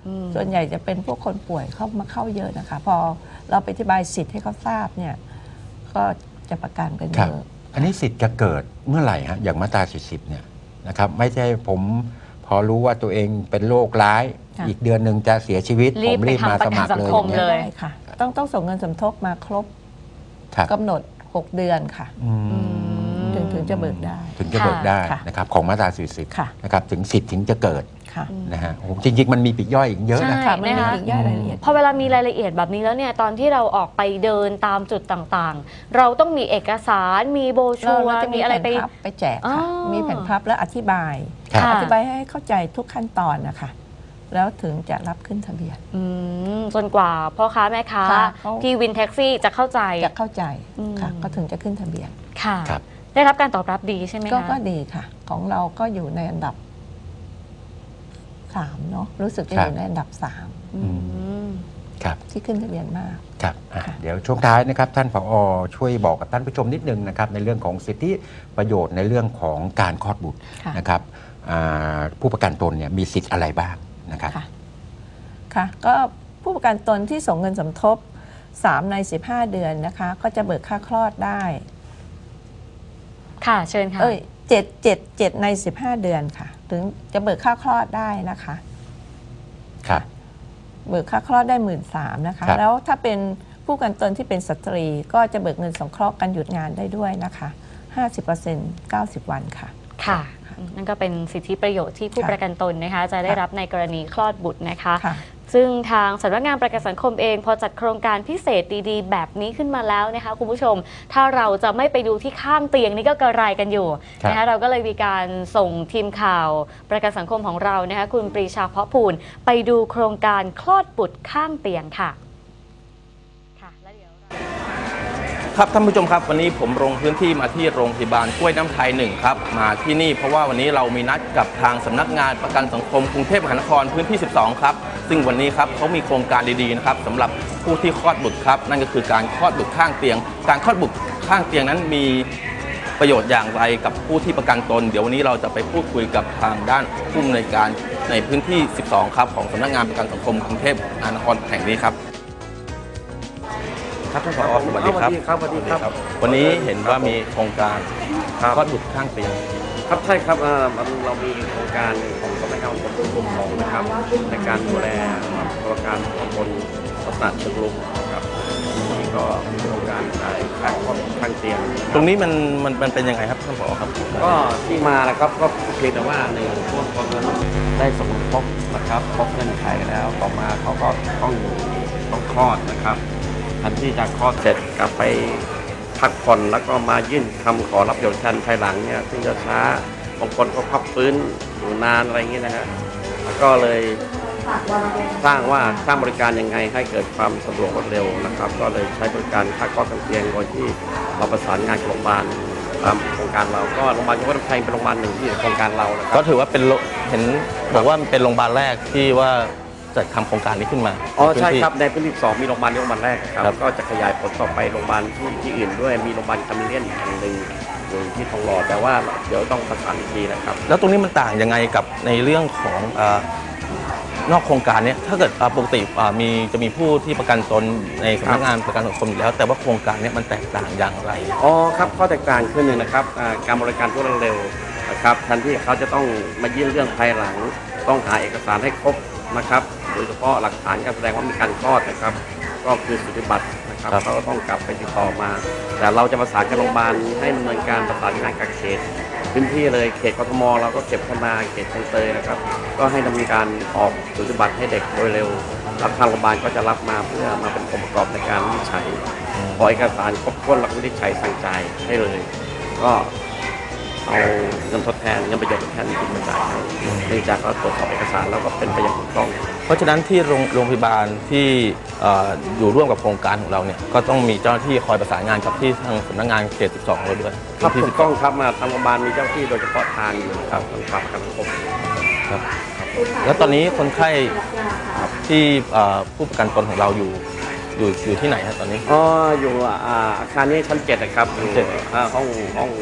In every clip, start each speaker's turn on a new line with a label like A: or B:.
A: ส่วนใหญ่จะเป็นพวกคนป่วยเข้าเยอะนะคะพอเราไปอธิบายสิทธิ์ให้เขาทราบเนี่ยก็จะประกันกันเยอะ
B: อันนี้สิทธิ์จะเกิดเมื่อไหร่ฮะอย่างมาตรา40เนี่ยนะครับไม่ใช่ผมพอรู้ว่าตัวเองเป็นโรคร้ายอีกเดือนหนึ่งจะเสียชีวิตผมรีบมาสมัครเลยอย่างเงี้ย
A: ได้ค่ะต้องส่งเงินสมทบมาครบกำหนด6 เดือนค่ะถึงจะเบิกได้
B: ถึงจะเบิกได้นะครับของมาตรา40นะครับถึงสิทธิ์ถึงจะเกิดนะฮะจริงๆมันมีปลีกย่อยอีกเยอะนะคะ
A: มันมีปลีกย่อยรายละเอียด
C: พอเวลามีรายละเอียดแบบนี้แล้วเนี่ยตอนที่เราออกไปเดินตามจุดต่างๆเราต้องมีเอกสารมีโบชัวร์มีอะไร
A: ไปแจกค่ะมีแผ่นพับแล้วอธิบายให้เข้าใจทุกขั้นตอนนะคะแล้วถึงจะรับขึ้นทะเบียน
C: จนกว่าพ่อค้าแม่ค้าที่วินแท็กซี่จะเข้าใจ
A: ค่ะก็ถึงจะขึ้นทะเบียน
C: ค่ะได้รับการตอบรับดีใช่ไหมคะ
A: ก็ดีค่ะของเราก็อยู่ในอันดับ3เนาะรู้สึกจะอยู่ในอันดับ3
B: ครับ
A: ที่ขึ้นทะเบียนมาก
B: ครับเดี๋ยวช่วงท้ายนะครับท่านผอ.ช่วยบอกกับท่านผู้ชมนิดนึงนะครับในเรื่องของสิทธิประโยชน์ในเรื่องของการคลอดบุตรนะครับผู้ประกันตนเนี่ยมีสิทธิ์อะไรบ้างนะครับ
A: ค่ะก็ผู้ประกันตนที่ส่งเงินสมทบ3 ใน 15 เดือนนะคะก็จะเบิกค่าคลอดได้
C: ค่ะเชิญค่ะ
A: 7 ใน 15 เดือนค่ะถึงจะเบิกค่าคลอดได้นะคะ
B: ครับ
A: เบิกค่าคลอดได้13,000นะคะแล้วถ้าเป็นผู้ประกันตนที่เป็นสตรีก็จะเบิกเงินสงเคราะห์การหยุดงานได้ด้วยนะคะ 50% 90 วันค่ะ
C: ค่ะนั่นก็เป็นสิทธิประโยชน์ที่ผู้ประกันตนนะคะจะได้รับในกรณีคลอดบุตรนะคะซึ่งทางสำนักงานประกันสังคมเองพอจัดโครงการพิเศษดีๆแบบนี้ขึ้นมาแล้วนะคะคุณผู้ชมถ้าเราจะไม่ไปดูที่ข้างเตียงนี่ก็กระไรกันอยู่นะคะเราก็เลยมีการส่งทีมข่าวประกันสังคมของเรานะคะคุณปรีชาเพาะพูนไปดูโครงการคลอดบุตรข้างเตียงค่ะ
D: ครับท่านผู้ชมครับวันนี้ผมลงพื้นที่มาที่โรงพยาบาลกล้วยน้ำไทย1ครับมาที่นี่เพราะว่าวันนี้เรามีนัดกับทางสำนักงานประกันสังคมกรุงเทพมหานครพื้นที่12ครับซึ่งวันนี้ครับเขามีโครงการดีๆนะครับสำหรับผู้ที่คลอดบุตรครับนั่นก็คือการคลอดบุตรข้างเตียงการคลอดบุตรข้างเตียงนั้นมีประโยชน์อย่างไรกับผู้ที่ประกันตนเดี๋ยววันนี้เราจะไปพูดคุยกับทางด้านผู้อำนวยการในพื้นที่12ครับของสำนักงานประกันสังคมกรุงเทพมหานครแห่งนี้ครับครับท่านผอ.สวัสดีครับ
E: สวัสดีครับ
D: วันนี้เห็นว่ามีโครงการคลอดบุตรข้างเตียง
E: ครับใช่ครับเรามีโครงการของสำนักงานประกันสังคมของนะครับในการดูแลโครงการของคนลักษณะเชิงรุกครับนี่ก็มีโครงการการคลอดข้างเตียง
D: ตรงนี้มันเป็นยังไงครับท่านผอ.ครับ
E: ก็ที่มานะครับก็เพียงแต่ว่าในช่วงคนได้สมทบนะครับครบเงื่อนไขแล้วต่อมาเขาก็ต้องคลอดนะครับทันที่จะคลอดเสร็จกลับไปพักผ่อนแล้วก็มายื่นคำขอรับประโยชน์แทนภายหลังเนี่ยซึ่งจะช้าบางคนก็พักฟื้นอยู่นานอะไรอย่างนี้นะฮะก็เลยสร้างบริการยังไงให้เกิดความสะดวกรวดเร็วนะครับก็เลยใช้บริการค่าคลอดข้างเตียงโดยที่เราประสานงานกับโรงพยาบาลตามโครงการเราก็โรงพยาบาลกรุงเทพมหานครเป็นโรงพยาบาลหนึ่งที่โครงการเรานะครับ
D: ก็ถือว่าเป็นเห็นบอกว่าเป็นโรงพยาบาลแรกที่ว่าจัดทำโครงการนี้ขึ้นมา
E: ใช่ครับในพื้นที่2มีโรงพยาบาลแรกครับก็จะขยายผลต่อไปโรงพยาบาลที่อื่นด้วยมีโรงพยาบาลคามิเลียนอีกแห่งหนึ่งอยู่ที่ทองหล่อแต่ว่าเดี๋ยวต้องประสานอีกทีนะครับ
D: แล้วตรงนี้มันต่างยังไงกับในเรื่องของนอกโครงการนี้ถ้าเกิดปกติจะมีผู้ที่ประกันตนในสำนักงานประกันสังคมอยู่แล้วแต่ว่าโครงการนี้มันแตกต่างอย่างไร
E: ครับข้อแตกต่างขึ้นหนึ่งนะครับการบริการรวดเร็วนะครับทันที่เขาจะต้องมายื่นเรื่องภายหลังต้องหาเอกสารให้ครบนะครับโดยเฉพาะหลักฐานการแสดงว่ามีการคลอดนะครับก็คือสูติบัตรนะครับเขาก็ต้องกลับไปติดต่อมาแต่เราจะประสานกับโรงพยาบาลให้ดำเนินการประสานงานกับเขตพื้นที่เลยเขตกทมเราก็เก็บขึ้นมาเขตคลองเตยนะครับก็ให้ดำเนินการออกสูติบัตรให้เด็กโดยเร็วรับทางโรงพยาบาลก็จะรับมาเพื่อมาเป็นองค์ประกอบในการวินิจฉัยขอเอกสารครบถ้วนแล้วก็วินิจฉัยสั่งจ่ายให้เลยก็เอาเงินทดแทนเงินประโยชน์ทดแทนจริงมาจ่ายให้เนื่องจากเราตรวจสอบเอกสารแล้วก็เป็นไปอย่างถูกต้อง
D: เพราะฉะนั้นที่โรงพยาบาลที่อยู่ร่วมกับโครงการของเราเนี่ยก็ต้องมีเจ้าหน้าที่คอยประสานงานกับที่ทางสำนักงานเขต12เราด้วย
E: ครับถูกต้องครับมาทางโรงพยาบาลมีเจ้าหน้าที่โดยเฉพาะทางอยู่ครับทางฝ่ายการสังคม
D: ครับแล้วตอนนี้คนไข้ที่ผู้ประกันตนของเราอยู่ที่ไหนครับตอนนี้
E: อยู่อาคารนี้ชั้น7นะครับอยู่ห้อง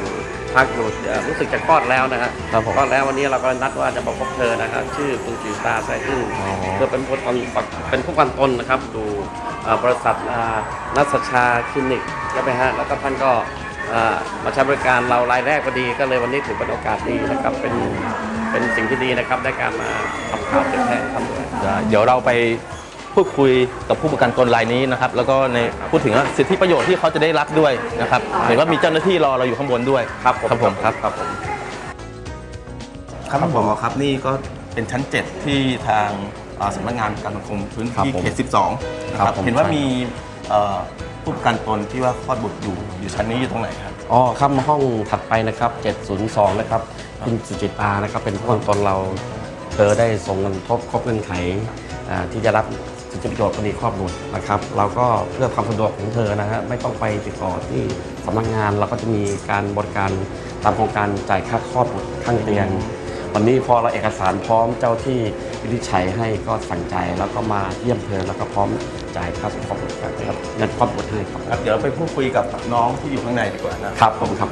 E: พักอยู่รู้สึกจะคลอดแล้วนะฮะ
F: ครับผม
E: คลอดแล้ววันนี้เราก็นัดว่าจะบอกพบเธอนะครับชื่อคุณจิตาไซอึ้งเธอเป็นผู้กันตนนะครับดูบริษัทนัสชาคลินิกใช่ไหมฮะแล้วก็ท่านก็มาใช้บริการเรารายแรกพอดีก็เลยวันนี้ถือเป็นโอกาสดีนะครับเป็นสิ่งที่ดีนะครับได้การมาทำข่าวเผยแพร่ทำด้วย
D: เดี๋ยวเราไปพูดคุยกับผู้ประกันตนรายนี้นะครับแล้วก็ในพูดถึงสิทธิประโยชน์ที่เขาจะได้รับด้วยนะครับเห็นว่ามีเจ้าหน้าที่รอเราอยู่ข้างบนด้วย
E: ครับผม
D: ครับผมครับ
E: ครับผม
D: ครับท่านผอ.ครับนี่ก็เป็นชั้น 7 ที่ทางสำนักงานประกันสังคมพื้นที่เขต 12 นะครับเห็นว่ามีผู้ประกันตนที่ว่าคลอดบุตรอยู่ชั้นนี้อยู่ตรงไหนครับ
F: อ๋อครับห้องถัดไปนะครับ702นะครับคุณสุจิตานะครับเป็นผู้ประกันตนเราเธอได้ส่งเงินครบเงื่อนไขที่จะรับสิทธิประโยชน์คดีครอบบุตรนะครับเราก็เพื่อความสะดวกของเธอนะฮะไม่ต้องไปติดต่อที่สำนักงานเราก็จะมีการบริการตามโครงการจ่ายค่าคลอดบุตรข้างเตียงวันนี้พอเราเอกสารพร้อมเจ้าที่วินิจฉัยให้ก็สั่งใจแล้วก็มาเยี่ยมเธอแล้วก็พร้อมจ่ายค่าสมทบครับเงินคลอดบุตรให้ครับ
D: ครับเดี๋ยวเราไปพูดคุยกับน้องที่อยู่ข้างในดีกว่านะครับ
F: ผมครับ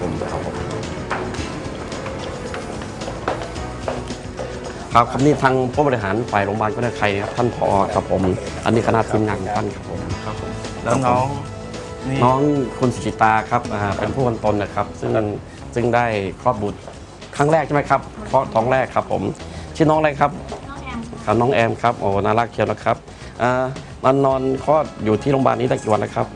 F: นี่ทางผู้บริหารฝ่ายโรงพยาบาลก็ได้ใครครับท่านผอครับผมอันนี้คณะทีมงานของท่านครับผม
D: ครับผมแล้วน้องนี่
F: น้องคุณสุจิตาครับเป็นผู้กันตนนะครับซึ่งได้คลอดบุตรครั้งแรกใช่ไหมครับคลอดท้องแรกครับผมชื่อน้องอะไรครับน้องแอมครับโอ้น่ารักเชียวนะครับนอนคลอดอยู่ที่โรงพยาบาลนี้ได้กี่วันนะครับ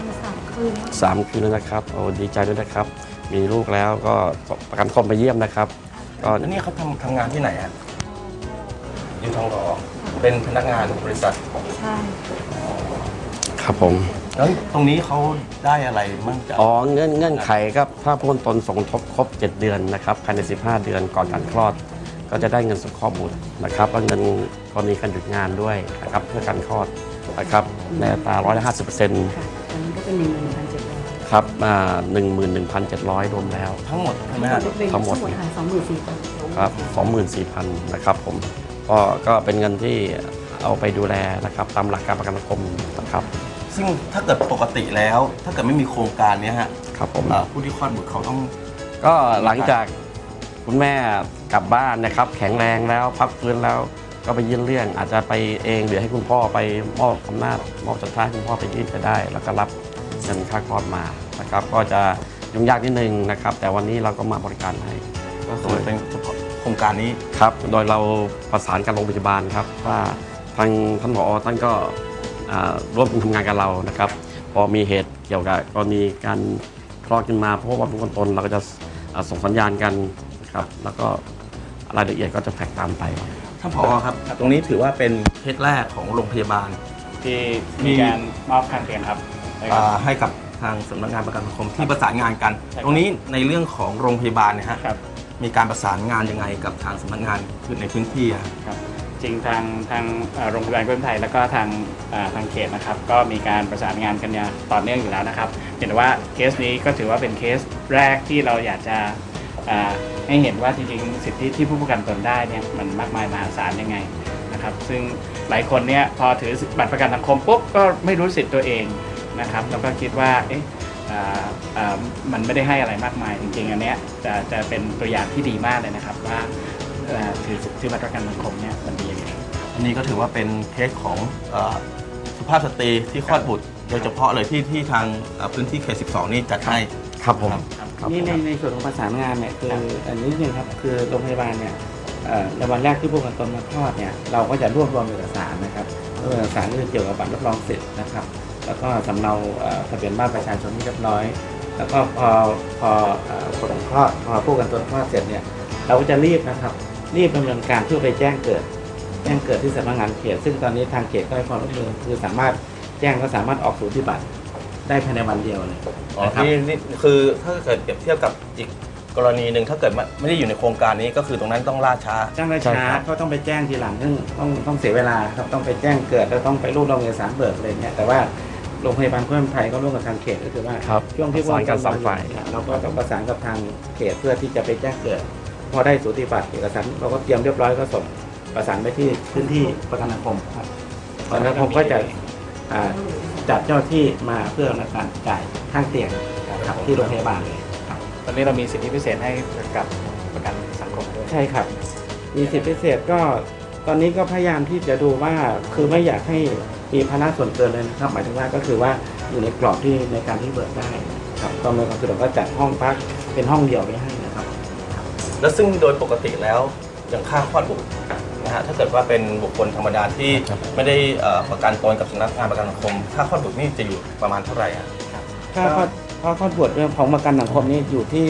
F: 3 คืนแล้วนะครับโอ้ดีใจด้วยนะครับมีลูกแล้วก็ประกันคมไปเยี่ยมนะครับก็
D: แล้วนี่เขาทำงานที่ไหนฮะอยู่ทองหล่อเป็นพนักงานบริษัท
G: ใช่
F: ครับผม
D: แล้วตรงนี้เขาได้อะไรมั่งจาก
F: อ๋อเงื่อนไขครับถ้าผู้คนตนสมทบครบ7 เดือนนะครับภายใน15 เดือนก่อนการคลอด ก็จะได้เงินสงเคราะห์บุตรนะครับและเงินกรณีการหยุดงานด้วยนะครับเพื่อการคลอดนะครับในอัตรา150%
G: ค่ะตอนนี้ก็เป็น11,700
F: ครับ11,700 รวมแล้ว
D: ทั้งหมดใช่ไหมฮะ
F: ทั้งหมด
G: ค่ะ24,000
F: ครับ24,000นะครับผมก็เป็นเงินที่เอาไปดูแลนะครับตามหลักการประกันสังคมนะครับ
D: ซึ่งถ้าเกิดปกติแล้วถ้าเกิดไม่มีโครงการเนี้ยฮะ
F: ครับผม
D: ผู้ที่คลอดบุตรเขาต้อง
F: ก็หลังจากคุณแม่กลับบ้านนะครับแข็งแรงแล้วพักฟื้นแล้วก็ไปยื่นเรื่องอาจจะไปเองหรือให้คุณพ่อไปมอบอำนาจมอบสุดท้ายคุณพ่อไปยื่นจะได้ แล้วก็รับเงินค่าคลอดมานะครับก็จะยุ่งยากนิดนึงนะครับแต่วันนี้เราก็มาบริการให้
D: ก็คือเป็นเฉพาะโครงการนี้
F: ครับโดยเราประสานกับโรงพยาบาลครับว่าทางท่านผอ.ท่านก็ร่วมทำงานกับเรานะครับพอมีเหตุเกี่ยวกับกรณีการคลอดขึ้นมาเพราะว่าผู้คนตนเราก็จะส่งสัญญาณกันนะครับแล้วก็รายละเอียดก็จะแท็กตามไป
D: ท่านผอ.ครับ ตรงนี้ถือว่าเป็นเคสแรกของโรงพยาบาล
H: ที่มีการมอบข้างเตียงครับ
D: ให้กับทางสำนักงานประกันสังคมที่ประสานงานกัน
H: ใช่ครับ
D: ตรงนี้ในเรื่องของโรงพยาบาลเนี่ยฮะ
H: ครับ
D: มีการประสานงานยังไงกับทางสำนักงานในพื้นที่อะ
H: ครับจริงทางโรงพยาบาลกรุงไทยแล้วก็ทางเขตนะครับก็มีการประสานงานกันอย่างต่อเนื่องอยู่แล้วนะครับเห็นว่าเคสนี้ก็ถือว่าเป็นเคสแรกที่เราอยากจะให้เห็นว่าจริงๆสิทธิที่ผู้ประกันตนได้เนี่ยมันมากมายมหาศาลยังไงนะครับซึ่งหลายคนเนี่ยพอถือบัตรประกันสังคมปุ๊บก็ไม่รู้สิทธิ์ตัวเองนะครับแล้วก็คิดว่ามันไม่ได้ให้อะไรมากมายจริงๆอันเนี้ยจะเป็นตัวอย่างที่ดีมากเลยนะครับว่าถือบัตรประกันสังคมเนี่ยมันดียังไง
D: อันนี้ก็ถือว่าเป็นเคสของสุภาพสตรีที่คลอดบุตร โดยเฉพาะเลยที่ทางพื้นที่เขต 12 นี่จัดให้
F: ครับผม
I: นี่ในส่วนของประสานงานเนี่ยคืออันนี้นึงครับคือโรงพยาบาลเนี่ยในวันแรกที่ผู้ประกันตนมาคลอดเนี่ยเราก็จะรวบรวมเอกสารนะครับเอกสารที่เกี่ยวกับบัตรรับรองสิทธิ์นะครับแล้วก็สำเนาทะเบียนบ้านประชาชนที่เรียบร้อย แล้วก็พอผลคลอดพอผู้ประกันตนคลอดเสร็จเนี่ยเราก็จะรีบนะครับรีบดำเนินการเพื่อไปแจ้งเกิดที่สำนักงานเขตซึ่งตอนนี้ทางเขตก็ให้ความร่วมมือคือสามารถแจ้งก็สามารถออกสูติบัตรได้ภายในวันเดียวเลย นะครับ
D: นี่คือถ้าเกิดเปรียบเทียบกับอีกกรณีหนึ่งถ้าเกิดไม่ได้อยู่ในโครงการนี้ก็คือตรงนั้นต้องล่าช้า
I: จ้างราช้าก็ต้องไปแจ้งทีหลังซึ่งต้องเสียเวลาครับต้องไปแจ้งเกิดแล้วต้องไปรวบรวมเอกสารเบิกอะไรเงี้ยแต่ว่าโรงพยาบาลกรุงไทยก็ร่วมกับทางเขตก็คือว่า
F: ครับ
I: ช่วงที่
F: ประสานกันสองฝ่าย
I: เราก็ต้องประสานกับทางเขตเพื่อที่จะไปแจ้งเกิด พอได้สูติบัตรเอกสารเราก็เตรียมเรียบร้อยก็ส่งประสานไปที่พื้นที่ประกันสังคมครับประกันสังคมก็จะจัดเจ้าที่มาเพื่อในการจ่ายข้างเตียงครับที่โรงพยาบาลเลยครับ
H: ตอนนี้เรามีสิทธิพิเศษให้กับประกันสังคมด้วย
I: ใช่ครับ มีสิทธิพิเศษก็ตอนนี้ก็พยายามที่จะดูว่าคือไม่อยากให้มีภาระส่วนเกินเลยนะครับ หมายถึงว่าก็คือว่าอยู่ในกรอบที่ในการที่เบิกได้ครับก็ไม่ก็คือเราก็จัดห้องพักเป็นห้องเดียวไว้ให้นะครับ
D: แล้วซึ่งโดยปกติแล้วอย่างค่าคลอดบุตรนะฮะถ้าเกิดว่าเป็นบุคคลธรรมดาที่ไม่ได้ประกันตนกับสำนักงานประกันสังคมค่าคลอดบุตรนี่จะอยู่ประมาณเท่าไหร่ครับ
I: ค่าคลอดบุตรของประกันสังคมนี่อยู่ที่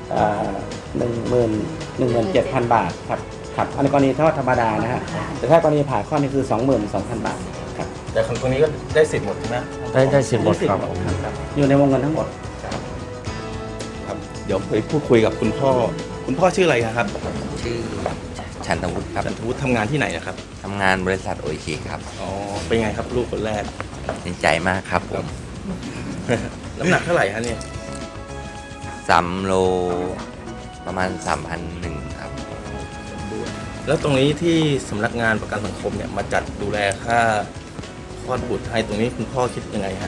I: 17,000 บาทครับครับอันในกรณีถ้าธรรมดานะฮะแต่ถ้ากรณีผ่าคลอดนี่คือ 22,000 บาทครับ
D: แต่คนตรงนี้ก็ได้สิทธิ์หมดใช่ไหม
F: ได้สิทธิ์หมดครับ
I: ครับอยู่ในวงเงินทั้งหมด
D: ครับเดี๋ยวไปพูดคุยกับคุณพ่อชื่ออะไรครับ
J: ชื่อชันทวุฒิครับ
D: จันทวุฒิทำงานที่ไหนนะครับ
J: ทำงานบริษัทโออิชิครับ
D: อ๋อเป็นไงครับลูกคนแรก
J: ดีใจมากครับผม
D: น้ำหนักเท่าไหร่ฮะเนี่ย
J: 3 โลประมาณ 3,100 ครับ
D: แล้วตรงนี้ที่สำนักงานประกันสังคมเนี่ยมาจัดดูแลค่าคลอดบุตรให้ตรงนี้คุณพ่อคิดยังไงฮะ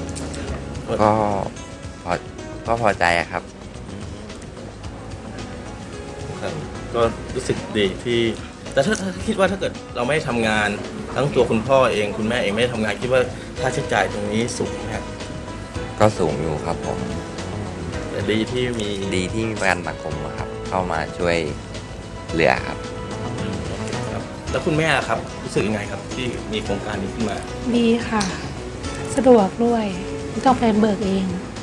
J: ก็พอใจอะครับ
D: ครับก็รู้สึกดีที่แต่ถ้าคิดว่าถ้าเกิดเราไม่ได้ทำงานทั้งตัวคุณพ่อเองคุณแม่เองไม่ได้ทำงานคิดว่าค่าใช้จ่ายตรงนี้สูงไหมครับ
J: ก็สูงอยู่ครับผม
D: แต่ดีที่มี
J: ดีที่มีประกันสังคมอะครับ เข้ามาช่วยเหลือครับ
D: ครับแล้วคุณแม่ล่ะครับรู้สึกยังไงครับที่มีโครงการนี้ขึ้นมา
K: ดีค่ะ สะดวกด้วยไม่ต้องไปเบิกเอง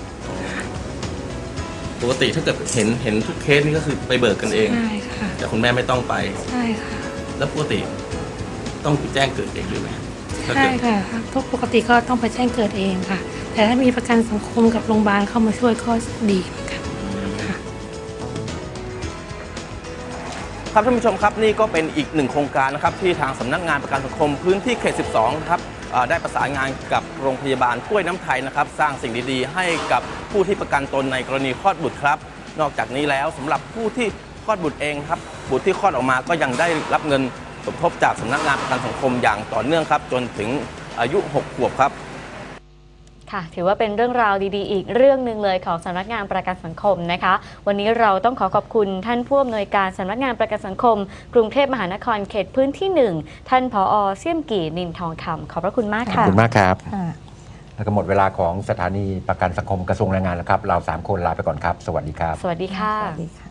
D: ปกติถ้าเกิดเห็นทุกเคสนี่ก็คือไปเบิกกันเอง
K: ใช่ค่ะ
D: แต่คุณแม่ไม่ต้องไป
K: ใช่ค่ะ
D: แล้วปกติต้องแจ้งเกิดเองหรือไหมถ้า
K: ใช่
D: เกิด
K: ค่ะทุกปกติก็ต้องไปแจ้งเกิดเองค่ะ แต่ถ้ามีประกันสังคมกับโรงพยาบาลเข้ามาช่วยก็ดีเหมือนกันค่ะ
D: ครับท่านผู้ชมครับนี่ก็เป็นอีกหนึ่งโครงการนะครับที่ทางสำนักงานประกันสังคมพื้นที่เขต 12 ครับได้ประสานงานกับโรงพยาบาลกล้วยน้ำไทยนะครับสร้างสิ่งดีๆ ให้กับผู้ที่ประกันตนในกรณีคลอดบุตรครับนอกจากนี้แล้วสำหรับผู้ที่คลอดบุตรเองครับบุตรที่คลอดออกมาก็ยังได้รับเงินสมทบจากสำนักงานประกันสังคมอย่างต่อเนื่องครับจนถึงอายุ 6 ขวบครับ
C: ค่ะถือว่าเป็นเรื่องราวดีๆอีกเรื่องหนึ่งเลยของสำนักงานประกันสังคมนะคะวันนี้เราต้องขอบคุณท่านผู้อำนวยการสำนักงานประกันสังคมกรุงเทพมหานครเขตพื้นที่ 1ท่านผอ.เสี่ยมกี่นินทองคำขอบพระคุณมาก
B: ขอบ
C: ค่ะ
B: คุณมากครับแล้วก็หมดเวลาของสถานีประกันสังคมกระทรวงแรงงานแล้วครับเรา3 คนลาไปก่อนครับสวัสดีครับ
C: สวัสดีค่ะ
A: สวัสดีค่ะ